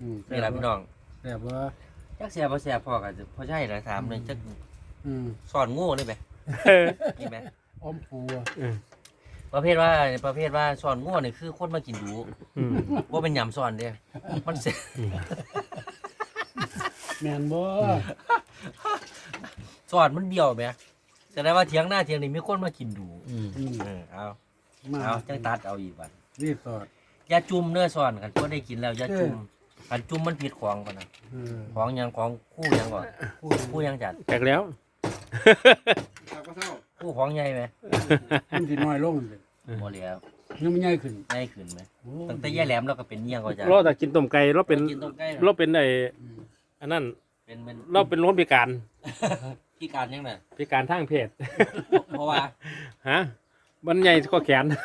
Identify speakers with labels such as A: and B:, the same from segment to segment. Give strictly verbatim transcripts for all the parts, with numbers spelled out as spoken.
A: นี่แหละพี่น้อง
B: แซ่บบ่
A: จักแซ่บบ่แซ่บพอกันพอใช่เลยถามเลยจักสอนโง่นี่ไหมนี่ไหม
B: อมปู
A: ประเภทว่าประเภทว่าสอนโง่นี่คือคนมากินดูว่าเป็นยำสอนเด้มันเสร็จ
B: แมนบ่
A: สอนมันเบี้ยวไหมแต่ได้ว่าเถียงหน้าเถียงนี่มีคนมากินดูเอาเอาจังตัดเอาอีกวัน
B: รีบสอด
A: อย่าจุ่มเนื้อสอนกันก็ได้กินแล้วอย่าจุ่มกันจุ่มมันผิดของกันนะของยังของคู่ยังก่อนคู่ยังจัด
C: แตกแล้ว
A: คู่ของใหญ่ไหม
B: มันสิน้อยลงเลย
A: หมดแล้ว
B: ยังไม่ใหญ่ขึ้น
A: ใหญ่ขึ้นไหมตั้งแต่แย่แหลมเราก็เป็นเงี้ยก็จะ
C: เราแต่กินต้มไก่เราเป็นเราเป็นไอ้อันนั้น
A: เป็นเป็น
C: เราเป็นล้นพิการ
A: พิการยังไง
C: พิการทางเพศ
A: เพราะว่า
C: ฮะมันใหญ่ก็แขน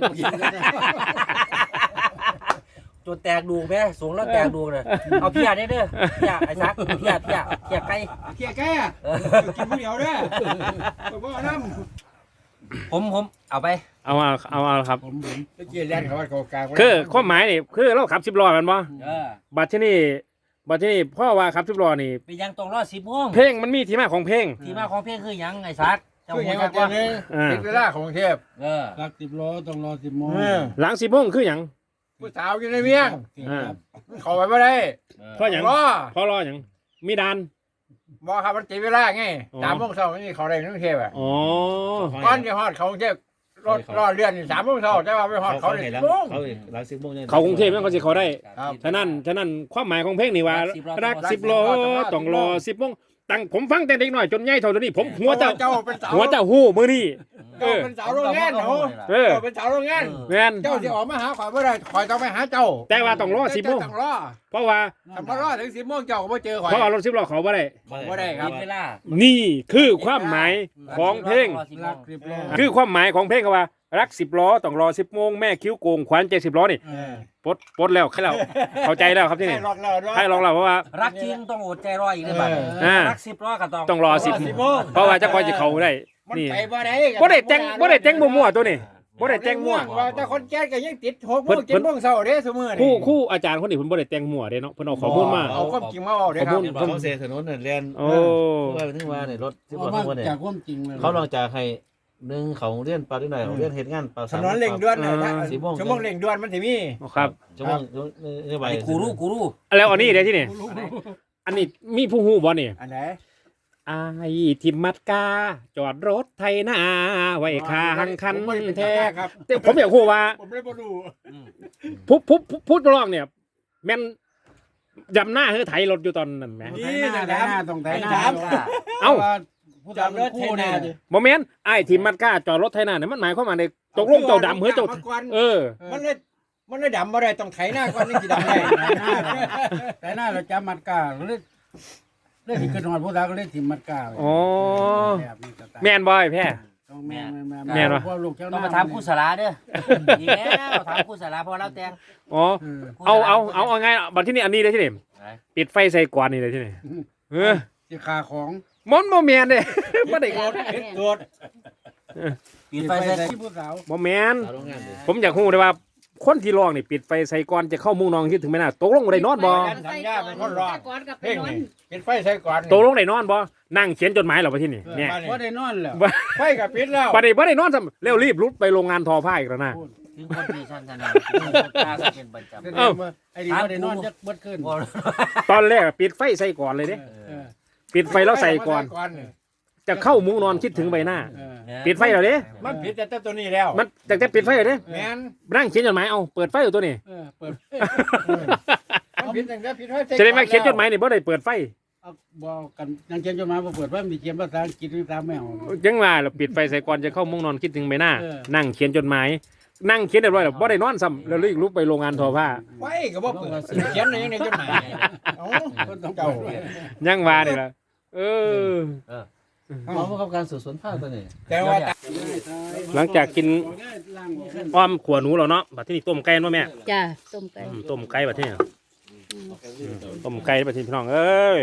A: ตัวแตกดูแม่สูงแล้วแตกดูเลยเอาเพียได้เด้อเพียไอ้ซักเพียเพียเพียไก่
B: เพียไก่อะกินผู้เดียวเด้อบ่น้
A: ำผมผมเอาไป
C: เอาเอาเอาเอาครับ
B: ผมผมตะเกียร์แล่นเขาเขากลาง
C: คือข้อหมายนี่คือเราขับสิบล้อกันบ่บัดที่นี่บัดที่นี่พ่อว่าขับสิบล้อนี่
A: เป็นยังตรงรอดสิบโมง
C: เพลงมันมีที่มาของเพลง
A: ที่มาของเพลงคือยังไอ้ซัก
B: คือยังไงเจ้าเนี่ยเป็นเวลาของเทพหลักสิบล้อต้องรอสิบโมง
C: หลังสิบโมงคือยัง
B: ผู้สาวอยู่ในเมียงเขาไปไม่ได้
C: เพราะอย่างเพราะรออย่างมีดาน
B: บอกครับมันตีเวลาไงสามโมงเช้านี่เขาได้กรุงเทพอ่ะ
C: อ๋อ
B: ก้อนจะฮอดเขากรุงเทพรถรอเรือนสามโมงเช้าแต่ว่าไปฮอดเขาเลย
C: เขาหลังสิบโมงเขากรุงเทพนั่นเขาสิเขาได้ฉะนั้นฉะนั้นความหมายของเพลงนี่ว่ารักสิบล้อต้องรอสิบโมงตั้งผมฟังแต่เด็กหน่อยจนใหญ่เท่านี้ผมหัวเจ้าหัวเจ้าหู้มือนี่
B: เออเป็นสาวโรงงานเหรอเออเป็นสาวโรงงาน
C: งาน
B: เจ้าจะออกมาหาข่อยไม่ได้ข่อยต้องไปหาเจ้า
C: แต่ว่าต้องรอสิบโมง
B: ต้องรอ
C: เพราะว่า
B: ถ้ามารอถึงสิบโมงเจ้าก็ไม่เจอข่อย
C: เพราะว่ารถสิบล้อเขาไม่ได้
B: ไม่ได้ครับ
C: นี่คือความหมายของเพลงคือความหมายของเพลงว่ารักสิบล้อต้องรอสิบโมงแม่คิ้วโกงขวัญใจสิบล้อนี่ปดปดแล้วแค่เราเข้าใจแล้วครับที่นี่ให้ลองเราเพราะว่า
A: รักจริงต้องอดใจรออีกเลยบัดรักสิบล้อก็ต้อง
C: ต้องรอสิบโมงเพราะว่าจะคอยจะเขาได้
B: นี่บ่ได้
C: บ่ได้แจ้งบ่ได้แจ้งมั่วๆตัวนี้บ่ได้แจ้งมั่ว
B: ว่าแต่คนแก่ก็ยังติดหกโมงเจ็ดโมงเช้าเด้ซุมื้อ
C: นี่คู่คู่อาจารย์คนนี้เพิ่นบ่ได้แจ้งมั่วเด้เนาะเพิ่นเอาข้อมูลมา
B: เอาความจริงมาเอาเด้ครับ
D: เขาเสียถนนเรียนโอ้เพื่อถึงว่าเนี่ยรถสิบล้อทุกวันเนี่ย
B: จากความจริง
D: เขาลองจากให้หนึ่งเขาเรียนปลาด้วยหน่อยเรียนเฮ็ดงานปลา
B: ถนนเร่งด่วนน่ะชั่วโมงเร่งด่วนมันสิมี
C: ครับ
D: ชั่วโมงนี่ไป
A: กูรู้กูรู้
C: แล้วอันนี้เด้ที่นี่อันนี้มีผู้ฮู้บ่นี่
B: อันไหน
C: อายทิมมัดกาจอดรถไทยนาไว้ข้างคันแท้
B: ครับ
C: แต่ผมอยากฮู้ว่า
B: ผมไม่บ่รู้
C: ผู้ผู้ผู้ร้องเนี่ยแม่นดำหน้าเฮือไถรถอยู่ตอนนั้นแหม
B: นี่ไถหน้าต้องไถหน้า
C: เอ้า
B: จอดรถไถนา
C: บ่แม่นอ้ายทิมมัดกาจอดรถไถนาเนี่ยมันหมายความว่าในตกลงเจ้าดำเฮือเจ้าเออ
B: มันเลยมันเลยดำบ่ได้ต้องไถหน้าก่อนนี่สิดำได้ไถหน้าเราจะมัดกาเลยเล่นขึ้นนอนผู้สาวก็เล่นทิมมัดกา
C: อ๋อแม่นบ่อยแพ้
B: ต้องแม่นแม่น
C: แม่น
B: พ่อลูกเจ้า
A: ต้องมาถามครูสาราเด้อดีแล้วถามครูสาราพอเราแต่ง
C: อ๋อเอาเอาเอาเอาไงบัดที่นี่อันนี้เลยที่นี่ปิดไฟใส่กวนนี่เลยที่นี่เออ
B: สิคาของ
C: มอนบ่แม่นเด้บ่ได้กด
B: กด
A: ปิดไฟใส่
B: ผู้สาว
C: บ่แม่นผมอยากฮู้ได้ว่าคนที่ร้องนี่ปิดไฟใส่ก่อนจะเข้ามุ้งนอนคิดถึงไหมนะตกลงได้นอนบ่
B: สัญญาเป็นคนร้องเพลงนี่ปิดไฟใส่ก่อน
C: ตกลงได้นอนบ่นั่งเขียนจดหมายเหรอวะที่นี่เนี่ย
B: บ่ได้นอนแล้วไฟก็ปิดแล้ว
C: บ่ได้บ่ได้นอนซ้ำเร็วรีบรุดไปโรงงานทอผ้าอีกแล้วนะ
A: ถึงคนที่ชั้นธนาตาเป็นประจำ
B: เอ้าไอ้นี่บ่ได้นอนจักเบิดคืน
C: ตอนแรกปิดไฟใส่ก่อนเลยเด้ปิดไฟแล้วใส่ก่อนจะเข้ามุ้งนอนคิดถึงใบหน้าปิดไฟแล้วเด้
B: มันปิดแต่ตัวนี้แล้ว
C: มันแต่แต่ปิดไฟแล้วเด้
B: แม่น
C: นั่งเขียนจดหมายเอาเปิดไฟอยู่ตัวนี้
B: เออเปิดมันปิดแต่ปิดไฟ
C: จะได้มาเขียนจดหมายนี่บ่ได้เปิดไฟ
B: บ่กันนั่งเขียนจดหมายบ่เปิดไฟมีเขียนภาษาอังกฤษภาษาแมว
C: จังว่าเราปิดไฟใส่ก่อนจะเข้ามุ้งนอนคิดถึงใบหน้านั่งเขียนจดหมายนั่งเขียนเรียบร้อยแล้วบ่ได้นอนซ้ำแล้วรีบลุกไปโรงงานทอผ้า
B: ไว้ก็บ่เปิดเขียนในจดหมายเอ้าต้องเก่า
C: ยังว่านี่ล่ะเออ
D: หมอผู้กำกับการสืบสวนภาคตัวนี้
B: แต่ว่า
C: หลังจากกินอ้อมขวหนูแล้วเนาะบัดที่นี่ต้มไก่เนาะแม่
E: จ้าต้มไก่
C: ต้มไก่บัดที่นี่ต้มไก่บัดที่พี่น้องเอ้ย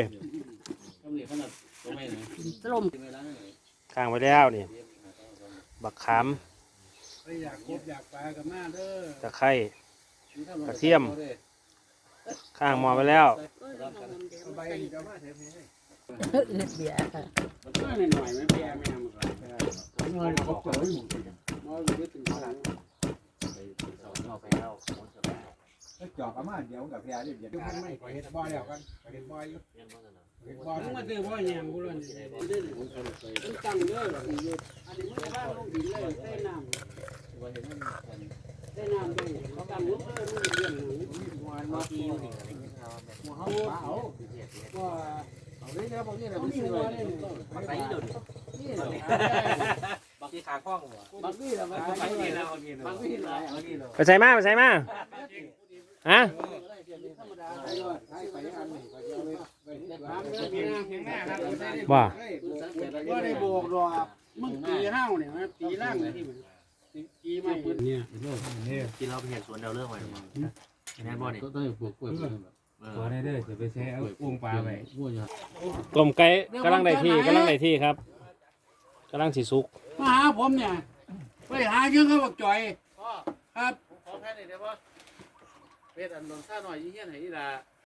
E: ต้ม
C: ข้างไว้แล้วนี่บักขามตะไคร้กระเทียมข้างหมอไปแล้ว
B: ใบนี้จะมาเทปนี้
E: เลือดเบียร์ค่ะ
B: มันก็หน่อยๆไม่แพ้แม่มันก็น้อยก็เจออยู่น้อยอยู่ถึงขนาด
A: เอาไปแล้ว
F: จอกอามาเดี๋ยวกับพี่อาเดี๋ยว
B: เดี๋ยวมันไม่เฮ็ดบ่แล้วกันเฮ็ดบ่อยู่เฮ็ดบ่มึงมาซื้อบ่แยงกูเลยมันตั้งเด้ออันนี้มันจะบ้านลงดินเลยใส่น้ำใส่น้ำด้วยเขาตั้งลงเลยมันเลี้ยงหนูมาทีอยู่นี่หัวเฮาเอาว่าเอาได้แล้วบ่นี่แหละมันซื้อไว้นี่
A: มันไปเดี๋ยวนี้บางทีขาคล้องหัว
B: บางทีละมันไปนี่แล้วบางทีละเอานี่แล้ว
C: ไปใส่มาไปใส่มาฮะ
B: ธรรมดาไปเลยไปอันนี้ก็เอาไว้ไว้ที่บ้านเด้อพี่นะเพียงหน้าครับ
C: ว่า
B: ก็ได้โบกดอกมึงตีห้าวเนี่ยมันตีล่างที่มันตีไม่เนี่ย
A: กินเราไปเห็นสวนเราเรื่องไว้หรือเปล่าแน่นบ่นี่
D: ก็ต้องปลูกกล้วย
F: ตัวนี้เด้อจะไปแช่เอาอุ้งปลาไป
D: กล้วย
C: ต้มไก่กำลังได้ที่กำลังได้ที่ครับกำลังสิสุก
B: มาหาผมเนี่ยไปหายืงเขาบอกจ่อยครับ
D: ขอแค่นี้ได้ป่ะเป็ดอันนนท่าหน่อยยี่เหี้ยนไหนนี่ล่ะ